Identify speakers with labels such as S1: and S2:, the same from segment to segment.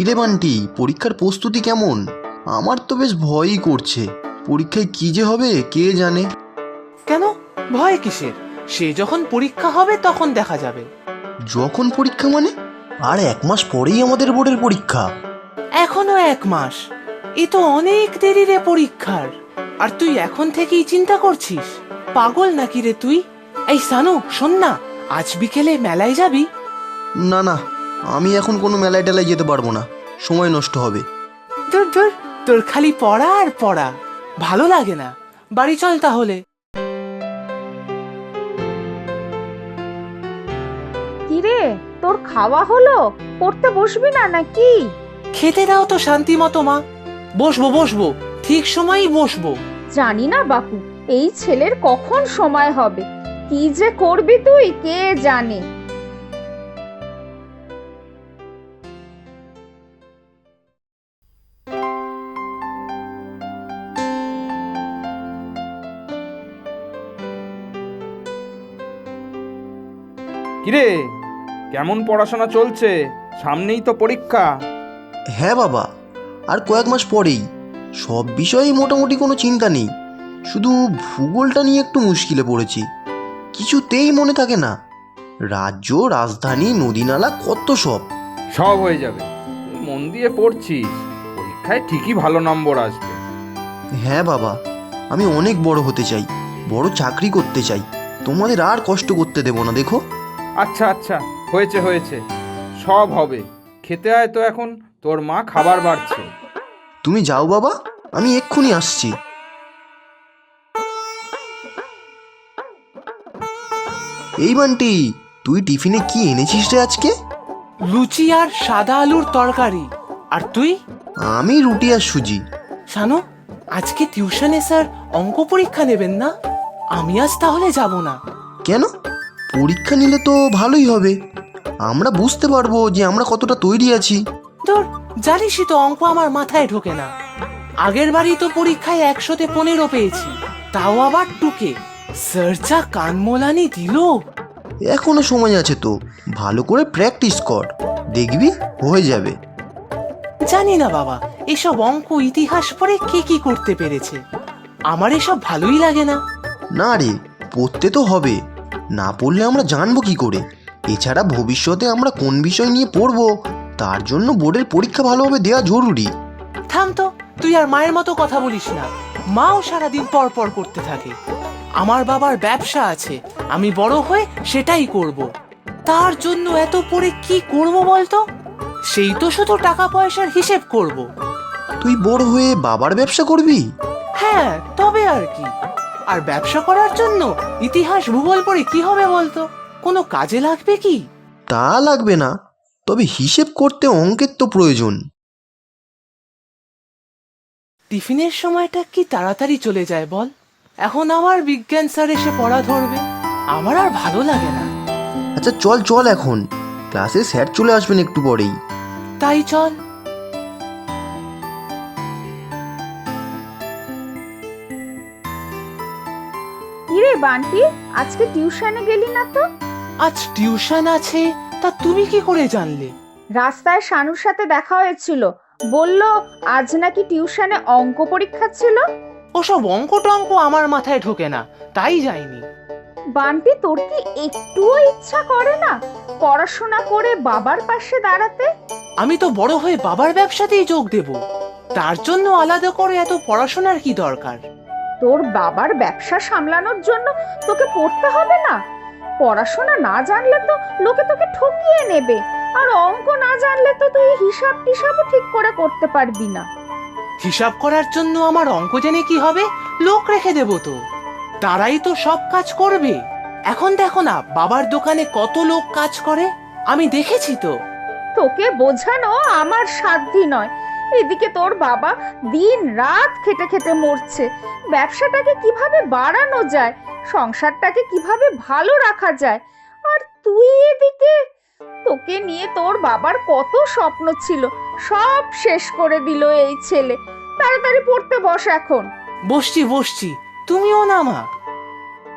S1: কিরে বান্টি, পরীক্ষার প্রস্তুতি কেমন? আমার তো বেশ ভয়ই করছে। পরীক্ষায় কি যে হবে কে জানে।
S2: কেন ভয় কিসের? সে যখন পরীক্ষা হবে তখন দেখা যাবে।
S1: যখন পরীক্ষা মানে? আর 1 মাস পরেই আমাদের বোর্ডের পরীক্ষা।
S2: এখনো 1 মাস? এ তো অনেক দেরি রে পরীক্ষার। আর তুই এখন থেকেই চিন্তা করছিস? পাগল নাকি রে তুই? এই সানু, শোন না, আজ বিকেলে মেলায় যাবি?
S1: না না, আমি এখন কোনো মেলায় টেলায় যেতে পারবো না, সময় নষ্ট হবে।
S2: ধুর ধুর, তোর খালি পড়া আর পড়া, ভালো লাগে না। বাড়ি চল তাহলে।
S3: কিরে, তোর খাওয়া হলো? পড়তে বসবি না নাকি?
S2: খেতে দাও তো শান্তি মতো মা। বসবো বসবো, ঠিক সময়ই বসবো।
S3: জানি না বাপু, এই ছেলের কখন সময় হবে। কি যে করবি তুই কে জানে।
S4: কিরে, কেমন পড়াশোনা চলছে? সামনেই তো পরীক্ষা।
S1: হ্যাঁ বাবা, আর কয়েক মাস পরেই। সব বিষয়েই মোটামুটি কোনো চিন্তা নেই, শুধু ভূগোলটা নিয়ে একটু মুশকিলে পড়েছি। কিছুতেই মনে থাকে না। রাজ্য, রাজধানী, নদীনালা, কত সব।
S4: সব হয়ে যাবে, তুই মন দিয়ে পড়ছিস, পরীক্ষায় ঠিকই ভালো নম্বর আসবে।
S1: হ্যাঁ বাবা, আমি অনেক বড় হতে চাই, বড় চাকরি করতে চাই। তোমাদের আর কষ্ট করতে দেব না, দেখো।
S4: আচ্ছা আচ্ছা, হয়েছে হয়েছে, সব হবে। খেতে আয় তো এখন, তোর মা খাবার বাড়ছে।
S1: তুমি যাও বাবা, আমি এক্ষুনি আসছি। এই বান্টি, তুই টিফিনে কি এনেছিস রে আজকে?
S2: লুচি আর সাদা আলুর তরকারি। আর তুই?
S1: আমি রুটি আর সুজি।
S2: শানু, আজকে টিউশনে স্যার অঙ্ক পরীক্ষা নেবেন না? আমি আজ তাহলে যাব না।
S1: কেন? পরীক্ষা নিলে তো ভালোই হবে, আমরা বুঝতে পারবো যে আমরা কতটা তৈরি আছি।
S2: ধুর, জানিসই তো অঙ্ক আমার মাথায় ঢোকে না। আগের বারই তো পরীক্ষায় 100-তে 15 পেয়েছি, তাও আবার টুকে। স্যার যা কান মোলানি দিল।
S1: এখনো সময় আছে তো, ভালো করে প্র্যাকটিস কর, দেখবি হয়ে যাবে।
S2: জানি না বাবা, এসব অঙ্ক ইতিহাস পড়ে কে কি করতে পেরেছে। আমার এসব ভালোই লাগে না।
S1: না রে, পড়তে তো হবে, না পড়লে আমরা জানবো কি করে? এছাড়া ভবিষ্যতে আমরা কোন বিষয় নিয়ে পড়বো, তার জন্য বোর্ডের পরীক্ষা ভালোভাবে দেওয়া জরুরি।
S2: থাম তো, তুই আর মায়ের মতো কথা বলিস না। মাও সারাদিন পর পর করতে থাকে। আমার বাবার ব্যবসা আছে, আমি বড় হয়ে সেটাই করব। তার জন্য এত পড়ে কি করব বলতো? সেই তো শুধু টাকা পয়সার হিসেব করব।
S1: তুই বড় হয়ে বাবার ব্যবসা করবি?
S2: হ্যাঁ, তবে আর কি। আর ব্যবসা করার জন্য ইতিহাস ভূগোল পড়ে কি হবে বলতো? কোনো কাজে লাগবে কি?
S1: তা লাগবে না, তবে হিসেব করতে অঙ্কের তো প্রয়োজন।
S2: টিফিনের সময়টা কি তাড়াতাড়ি চলে যায় বল? এখন আবার বিজ্ঞান স্যার এসে পড়া ধরবে, আমার আর ভালো লাগে না।
S1: আচ্ছা চল চল, এখন ক্লাসে স্যার চলে আসবেন একটু পরেই।
S2: তাই চল।
S3: কিরে বান্টি, আজকে টিউশনে গেলি না তো?
S2: আজ টিউশন আছে, তা তুমি কি করে জানলে?
S3: রাস্তায় শানুর সাথে দেখা হয়েছিল, বলল আজ নাকি টিউশনে অঙ্ক পরীক্ষা ছিল।
S2: ওসব অঙ্ক টঙ্ক আমার মাথায় ঢোকে না, তাই যাইনি।
S3: বান্টি, তোর কি একটুও ইচ্ছা করে না পড়াশোনা করে বাবার পাশে দাঁড়াতে?
S2: আমি তো বড় হয়ে বাবার ব্যবসাতেই যোগ দেব, তার জন্য আলাদা করে এত পড়াশোনার কি দরকার?
S3: তোর বাবার ব্যবসা সামলানোর জন্য তোকে পড়তে হবে না? পড়াশোনা না জানলে তো লোকে তোকে ঠকিয়ে নেবে, আর অঙ্ক না জানলে তো তুই হিসাব টিসাবও ঠিক করে করতে পারবি না।
S2: হিসাব করার জন্য আমার অঙ্ক জেনে কি হবে? লোক রেখে দেব তো, তারাই তো সব কাজ করবে। এখন দেখো না বাবার দোকানে কত লোক কাজ করে, আমি দেখেছি তো।
S3: তোকে বোঝানো আমার সাধ্যি নয়। এদিকে তোর বাবা দিন রাত খেটে খেটে মরছে, ব্যবসাটাকে কিভাবে বাড়ানো যায়, সংসারটাকে কিভাবে ভালো রাখা যায়, আর তুই এদিকে। তোকে নিয়ে তোর বাবার কত স্বপ্ন ছিল, সব শেষ করে দিল এই ছেলে। তাড়াতাড়ি পড়তে বস এখন।
S2: বসছি বসছি, তুমিও না মা।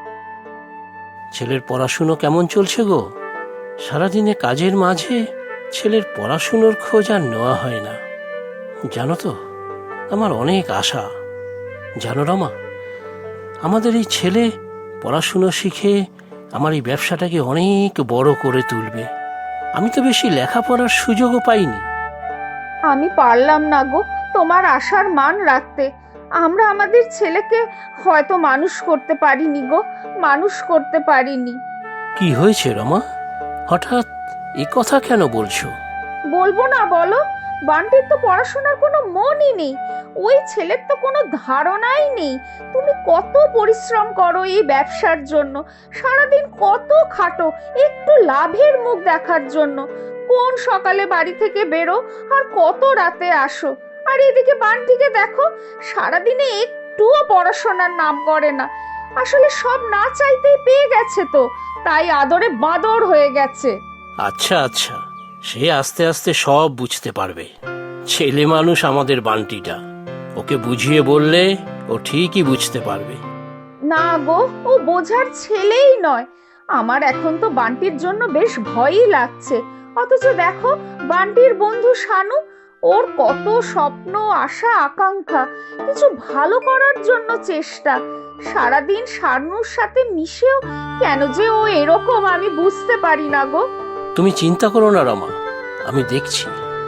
S5: ছেলের পড়াশুনো কেমন চলছে গো? সারাদিনে কাজের মাঝে ছেলের পড়াশুনোর খোঁজ আর নেওয়া হয় না। জানো তো, আমার অনেক আশা। জানো রমা, আমাদের এই ছেলে পড়াশুনো শিখে আমার এই ব্যবসাটাকে অনেক বড় করে তুলবে। আমি তো বেশি লেখাপড়ার সুযোগও পাইনি।
S3: আমি পারলাম না গো তোমার আশার মান রাখতে। আমরা আমাদের ছেলেকে হয়তো মানুষ করতে পারিনি গো, মানুষ করতে পারিনি।
S5: কি হয়েছে রমা, হঠাৎ এ কথা কেন বলছো?
S3: বলবো না বলো? বান্টির তো পড়াশোনার কোনো মনই নেই, ওই ছেলের তো কোনো ধারণাই নেই। তুমি কত পরিশ্রম করো এই ব্যবসার জন্য, সারাদিন কত খাটো একটু লাভের মুখ দেখার জন্য। কোন সকালে বাড়ি থেকে বেরো আর কত রাতে আসো। আর এদিকে বান্টিকে দেখো, সারাদিনে একটুও পড়াশোনার নাম করে না। আসলে সব না চাইতেই পেয়ে গেছে তো, তাই আদরে বাঁদর হয়ে গেছে।
S5: আচ্ছা আচ্ছা, সে আস্তে আস্তে সব বুঝতে পারবে। ছেলে মানুষ আমাদের বান্টিটা, ওকে বুঝিয়ে বললে ও ঠিকই বুঝতে পারবে।
S3: না গো, ও বোঝার ছেলেই নয়। আমার এখন তো বান্টির জন্য বেশ ভয়ই লাগছে। অথচ দেখো, বান্টির বন্ধু শানু, ওর কত স্বপ্ন, আশা, আকাঙ্ক্ষা, কিছু ভালো করার জন্য চেষ্টা। সারাদিন শানুর সাথে মিশেও কেন যে ও এরকম আমি বুঝতে পারি না গো।
S5: তুমি চিন্তা করো না রমা, আমি দেখছি।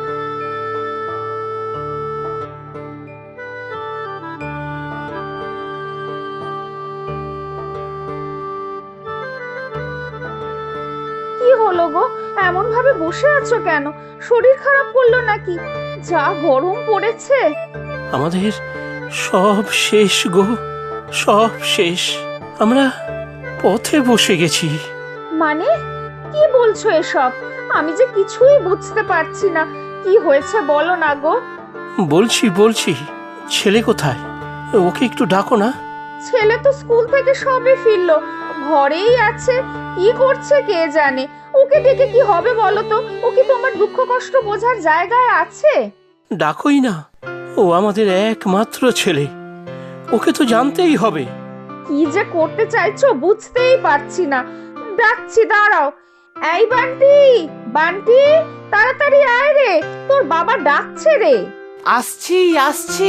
S3: কি হলো গো, এমন ভাবে বসে আছো কেন? শরীর খারাপ করলো নাকি? যা গরম পড়েছে।
S5: আমাদের সব শেষ গো, সব শেষ। আমরা পথে বসে গেছি।
S3: মানে কি বলছো এসব? আমি যে কিছুই বুঝতে পারছি না। কি হয়েছে বলো না গো।
S5: বলছি, ছেলে কোথায়? ওকে একটু ডাকো না।
S3: ছেলে তো স্কুল থেকে সবে ফিরলো, ঘরেই আছে। কি করছে কে জানে। ওকে ডেকে কি হবে বলো তো? ও কি তোমার দুঃখ কষ্ট বোঝার জায়গায় আছে?
S5: ডাকোই না, ও আমাদের একমাত্র ছেলে, ওকে তো জানতেই হবে।
S3: কি যে করতে চাইছো বুঝতেই পারছি না। ডাকছি, দাঁড়াও। এই বান্টি, বান্টি, তাড়াতাড়ি আয় রে, তোর বাবা ডাকছে রে।
S2: আসছি আসছি।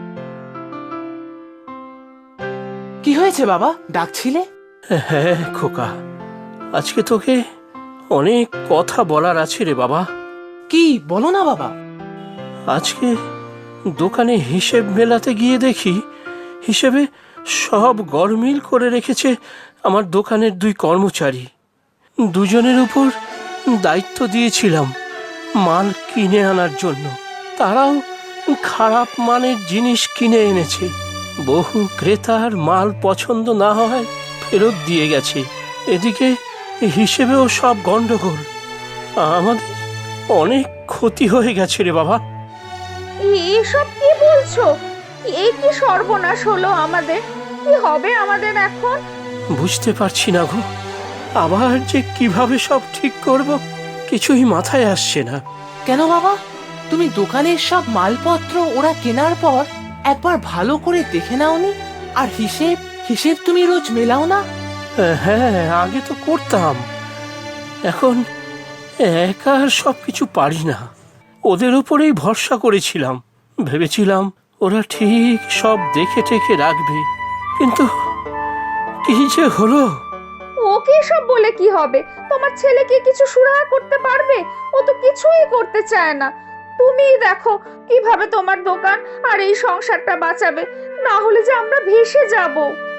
S2: কি হয়েছে বাবা, ডাকছিলে?
S5: হ্যাঁ খোকা, আজকে তোকে অনেক কথা বলার আছে রে বাবা।
S2: কি বলো না বাবা।
S5: আজকে দোকানে হিসেব মেলাতে গিয়ে দেখি হিসেবে সব গরমিল করে রেখেছে আমার দোকানের দুই কর্মচারী। দুজনের উপর দায়িত্ব দিয়েছিলাম মাল কিনে আনার জন্য। তারাও খারাপ মানের জিনিস কিনে এনেছে। বহু ক্রেতার মাল পছন্দ না হয় ফেরত দিয়ে গেছে। এদিকে হিসেবেও সব গন্ডগোল। আমাদের অনেক ক্ষতি হয়ে গেছে রে বাবা।
S3: এসব কি বলছো? এই কি সর্বনাশ হলো আমাদের? কি হবে আমাদের এখন?
S5: বুঝতে পারছি না গো, আবার যে কিভাবে সব ঠিক করব কিছুই মাথায় আসছে না।
S2: কেন বাবা, তুমি দোকানের সব মালপত্র ওরা কেনার পর একবার ভালো করে দেখে নাওনি? আর হিসেব তুমি রোজ মেলাও না?
S5: হ্যাঁ, আগে তো করতাম, এখন একা আর সবকিছু পারি না। ওদের উপরেই ভরসা করেছিলাম, ভেবেছিলাম ওরা ঠিক সব দেখে টেকে রাখবে, কিন্তু কি যে হলো।
S3: ওকে সব বলে কি হবে? তোমার ছেলে কি কিছু সুরাহা করতে পারবে? ও তো কিছুই করতে চায় না। তুমিই দেখো কিভাবে তোমার দোকান আর এই সংসারটা বাঁচাবে, না হলে যে আমরা ভেসে যাব।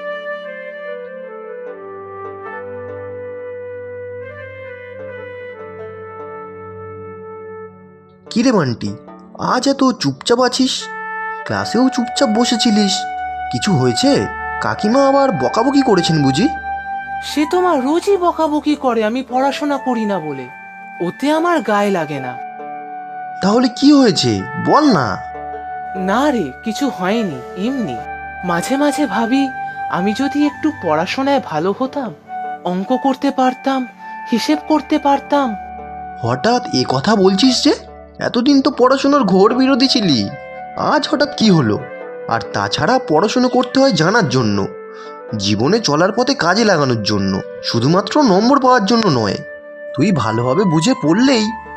S1: কিরে বান্টি, আজ এত চুপচাপ আছিস? ক্লাসেও চুপচাপ বসেছিলিস, কিছু হয়েছে? কাকিমা আবার বকাবকি করেছেন বুঝি?
S2: সে তোমার রোজই বকাবকি করে আমি পড়াশোনা করি না বলে। ওতে আমার গায়ে লাগে না।
S1: তাহলে কি হয়েছে বল না।
S2: না রে, কিছু হয়নি, এমনি। মাঝে মাঝে ভাবি আমি যদি একটু পড়াশোনায় ভালো হতাম, অঙ্ক করতে পারতাম, হিসেব করতে পারতাম।
S1: হঠাৎ এ কথা বলছিস যে? এতদিন তো পড়াশোনার ঘোর বিরোধী ছিলি, আজ হঠাৎ কি হলো? আর তাছাড়া পড়াশোনা করতে হয় জানার জন্য, জীবনে চলার পথে কাজে লাগানোর জন্য, শুধুমাত্র নম্বর পাওয়ার জন্য নয়। তুই ভালোভাবে বুঝে পড়লেই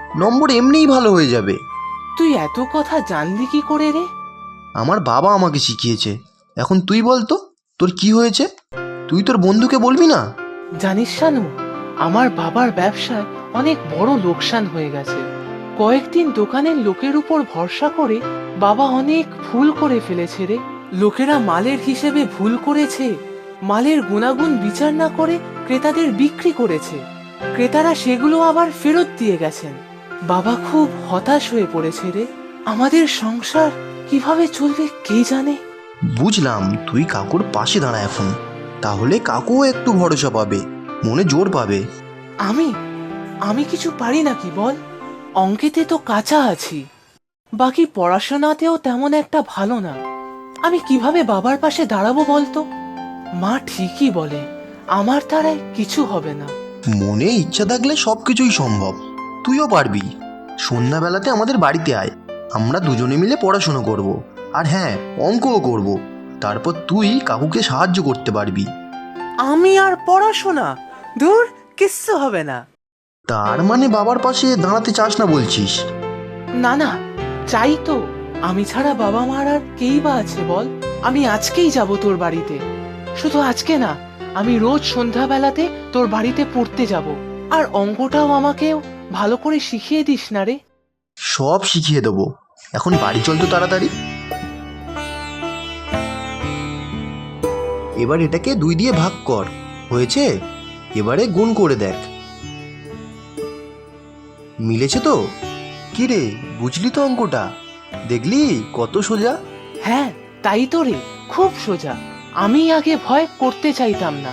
S1: নম্বর এমনিই ভালো হয়ে যাবে।
S2: তুই এত কথা জানলি কি করে রে?
S1: আমার বাবা আমাকে শিখিয়েছে। এখন তুই বল তো, তোর কি হয়েছে? তুই তোর বন্ধুকে বলবি না?
S2: জানিস শানু, আমার বাবার ব্যবসায় অনেক বড় লোকসান হয়ে গেছে। কয়েকদিন দোকানের লোকের উপর ভরসা করে বাবা অনেক ভুল করে ফেলেছে রে। লোকেরা মালের হিসেবে ভুল করেছে, মালের গুণাগুণ বিচার না করে ক্রেতাদের বিক্রি করেছে। ক্রেতারা সেগুলো আবার ফেরত দিয়ে গেছেন। বাবা খুব হতাশ হয়ে পড়েছে রে। আমাদের সংসার কিভাবে চলবে কে জানে।
S1: বুঝলাম, তুই কাকুর পাশে দাঁড়া এখন, তাহলে কাকুও একটু ভরসা পাবে, মনে জোর পাবে।
S2: আমি কিছু পারি নাকি বল? অঙ্কেতে তো কাঁচা আছি, বাকি পড়াশোনাতেও তেমন একটা ভালো না। আমি কিভাবে বাবার পাশে দাঁড়াবো বলতো? মা ঠিকই বলে, আমার দ্বারাই কিছু হবে না।
S1: মনে ইচ্ছা থাকলে সবকিছুই সম্ভব, তুইও পারবি। সন্ধ্যাবেলাতে আমাদের বাড়িতে আয়, আমরা দুজনে মিলে পড়াশোনা করব। আর হ্যাঁ, অঙ্কও করব। তারপর তুই কাকুকে সাহায্য করতে পারবি।
S2: আমি আর পড়াশোনা? দূর, কিচ্ছু হবে না।
S1: তার মানে বাবার পাশে দাঁড়াতে চাস না বলছিস?
S2: না না, চাই তো। আমি ছাড়া বাবা মার আর কেই বা আছে বল? আমি আজকেই যাব তোর বাড়িতে। শুধু আজকে না, আমি রোজ সন্ধ্যাবেলাতে তোর বাড়িতে পড়তে যাব। আর অঙ্কটাও আমাকেও ভালো করে শিখিয়ে দিস না রে।
S1: সব শিখিয়ে দেবো। এখন বাড়ি চল তো তাড়াতাড়ি। এবার এটাকে 2 দিয়ে ভাগ কর, হয়েছে? এবারে গুণ করে দেখ, মিলেছে তো? কি রে, বুঝলি তো অঙ্কটা? দেখলি কত সোজা?
S2: হ্যাঁ, তাই তো রে, খুব সোজা। আমি আগে ভয় করতে চাইতাম না।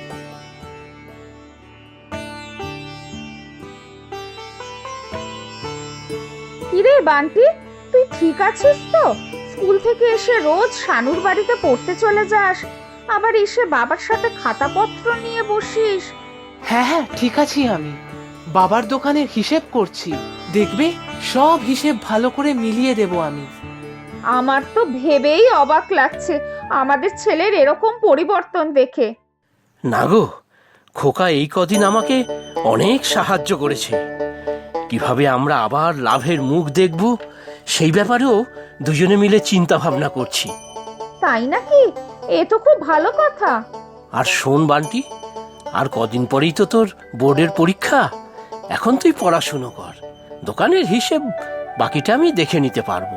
S3: কিরে বান্টি, তুই ঠিক আছিস তো? স্কুল থেকে এসে রোজ শানুর বাড়িতে পড়তে চলে যাস, আবার এসে বাবার সাথে খাতাপত্র নিয়ে বসিস।
S2: হ্যাঁ হ্যাঁ, ঠিক আছি আমি। বাবার দোকানের হিসেব করছি, দেখবে সব হিসেব ভালো করে মিলিয়ে দেব আমি।
S3: আমার তো ভেবেই অবাক লাগছে আমাদের ছেলের এরকম পরিবর্তন দেখে।
S5: না গো, খোকা এই কদিন আমাকে অনেক সাহায্য করেছে। কিভাবে আমরা আবার লাভের মুখ দেখব সেই ব্যাপারেও দুজনে মিলে চিন্তা ভাবনা করছি।
S3: তাই নাকি? এ তো খুব ভালো কথা।
S5: আর শোন বান্টি, আর কদিন পরেই তো তোর বোর্ডের পরীক্ষা। এখন তুই পড়াশুনো কর, দোকানের হিসেব বাকিটা আমি দেখে নিতে পারবো।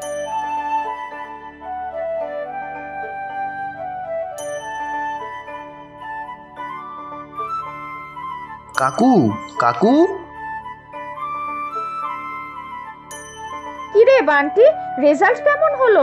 S1: কাকু, কাকু।
S3: কিরে বান্টি, রেজাল্ট কেমন হলো?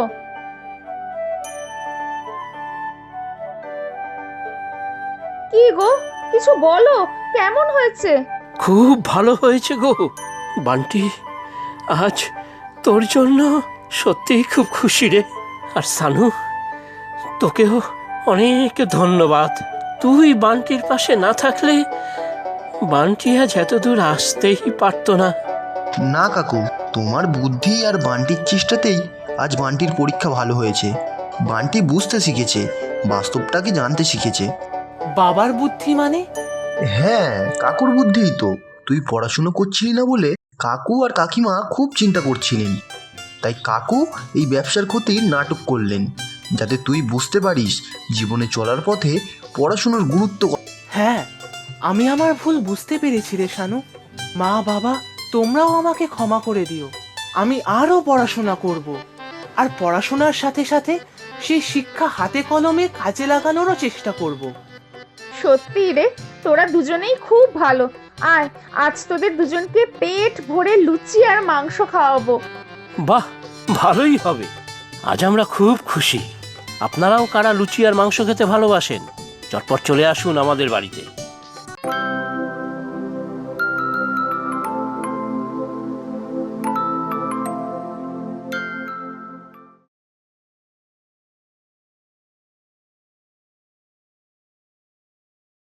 S3: কি গো, কিছু বলো, কেমন হয়েছে?
S5: খুব ভালো হয়েছে গো বান্টি। আজ তোর জন্য সত্যিই খুব খুশি রে। আর সানু, তোকেও অনেক ধন্যবাদ। তুই বান্টির পাশে না থাকলে বান্টি আজ এত দূর আসতেই পারতো না।
S1: না কাকু, তোমার বুদ্ধি আর বান্টির চেষ্টাতেই আজ বান্টির পরীক্ষা ভালো হয়েছে। বান্টি বুঝতে শিখেছে, বাস্তবটাকে জানতে শিখেছে।
S2: বাবার বুদ্ধি মানে?
S1: হ্যাঁ, কাকুর বুদ্ধিই তো। তুই পড়াশুনো করছিলি না বলে কাকু আর কাকিমা খুব চিন্তা করছিলেন। তাই কাকু এই ব্যবসার ক্ষতির নাটক করলেন, যাতে তুই বুঝতে পারিস জীবনে চলার পথে পড়াশুনোর গুরুত্ব।
S2: হ্যাঁ, আমি আমার ভুল বুঝতে পেরেছি রে শানু। মা বাবা, তোমরাও আমাকে ক্ষমা করে দিও। আমি আরো পড়াশোনা করব, আর পড়াশোনার সাথে সাথে সেই শিক্ষা হাতে কলমে কাজে লাগানোরও চেষ্টা করব।
S3: সত্যি রে, তোরা দুজনেই খুব ভালো। আয়, আজ তোদের দুজনকে পেট ভরে লুচি আর মাংস খাওয়াবো।
S5: বাহ, ভালোই হবে। আজ আমরা খুব খুশি। আপনারাও কারা লুচি আর মাংস খেতে ভালোবাসেন, চটপট চলে আসুন আমাদের বাড়িতে।